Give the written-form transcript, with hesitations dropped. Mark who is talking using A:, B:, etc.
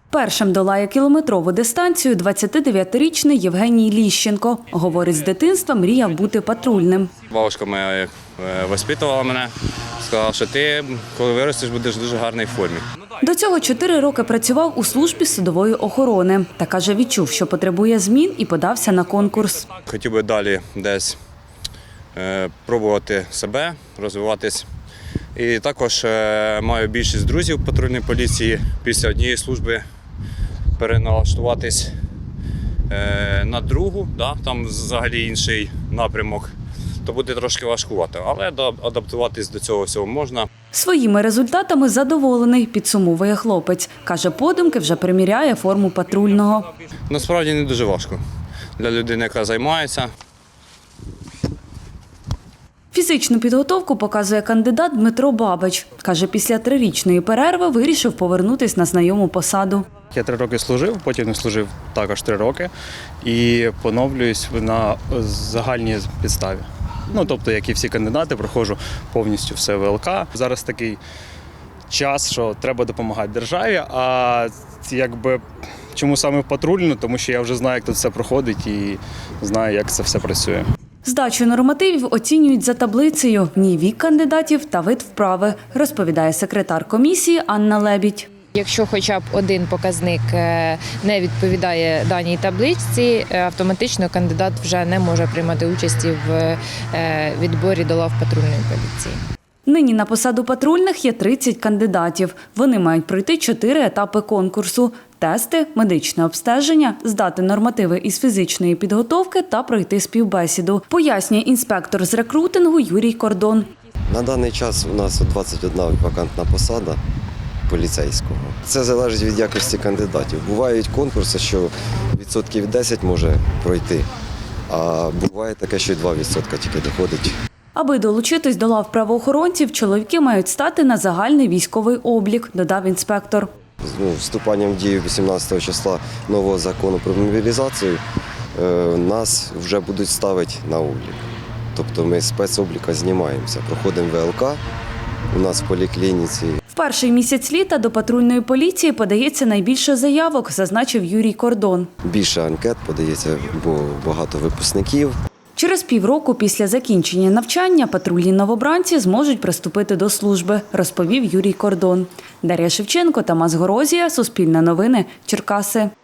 A: Першим долає кілометрову дистанцію 29-річний Євгеній Ліщенко. Говорить, з дитинства мріяв бути патрульним.
B: Бабушка моя воспитувала мене, сказала, що ти, коли виростеш, будеш в дуже гарній формі.
A: До цього 4 роки працював у службі судової охорони. Та, каже, відчув, що потребує змін і подався на конкурс.
B: Хотів би далі десь пробувати себе, розвиватись. І також маю більшість друзів в патрульній поліції. Після однієї служби переналаштуватись на другу, там взагалі інший напрямок, то буде трошки важкувато, але адаптуватись до цього всього можна.
A: Своїми результатами задоволений, підсумовує хлопець. Каже, подумки вже приміряє форму патрульного.
B: Насправді не дуже важко для людини, яка займається.
A: Фізичну підготовку показує кандидат Дмитро Бабич. Каже, після 3-річної перерви вирішив повернутися на знайому посаду.
C: Я 3 роки служив, потім служив також 3 роки і поновлююсь на загальній підставі. Тобто, як і всі кандидати, проходжу повністю все ВЛК. Зараз такий час, що треба допомагати державі, а чому саме патрульно? Тому що я вже знаю, як тут все проходить і знаю, як це все працює.
A: Здачу нормативів оцінюють за таблицею. В ній вік кандидатів та вид вправи, розповідає секретар комісії Анна Лебідь.
D: Якщо хоча б один показник не відповідає даній табличці, автоматично кандидат вже не може приймати участі в відборі до лав патрульної поліції.
A: Нині на посаду патрульних є 30 кандидатів. Вони мають пройти 4 етапи конкурсу – тести, медичне обстеження, здати нормативи із фізичної підготовки та пройти співбесіду, пояснює інспектор з рекрутингу Юрій Кордон.
E: На даний час у нас 21 вакантна посада поліцейського. Це залежить від якості кандидатів. Бувають конкурси, що 10% може пройти, а буває таке, що 2% тільки доходить.
A: Аби долучитись до лав правоохоронців, чоловіки мають стати на загальний військовий облік, додав інспектор.
E: З вступанням в дію 18 числа нового закону про мобілізацію нас вже будуть ставити на облік. Тобто ми з спецобліка знімаємося, проходимо ВЛК у нас в поліклініці.
A: В перший місяць літа до патрульної поліції подається найбільше заявок, зазначив Юрій Кордон.
E: Більше анкет подається, бо багато випускників.
A: Через півроку після закінчення навчання патрульні новобранці зможуть приступити до служби, розповів Юрій Кордон. Дар'я Шевченко, Тамас Горозія, Суспільне новини, Черкаси.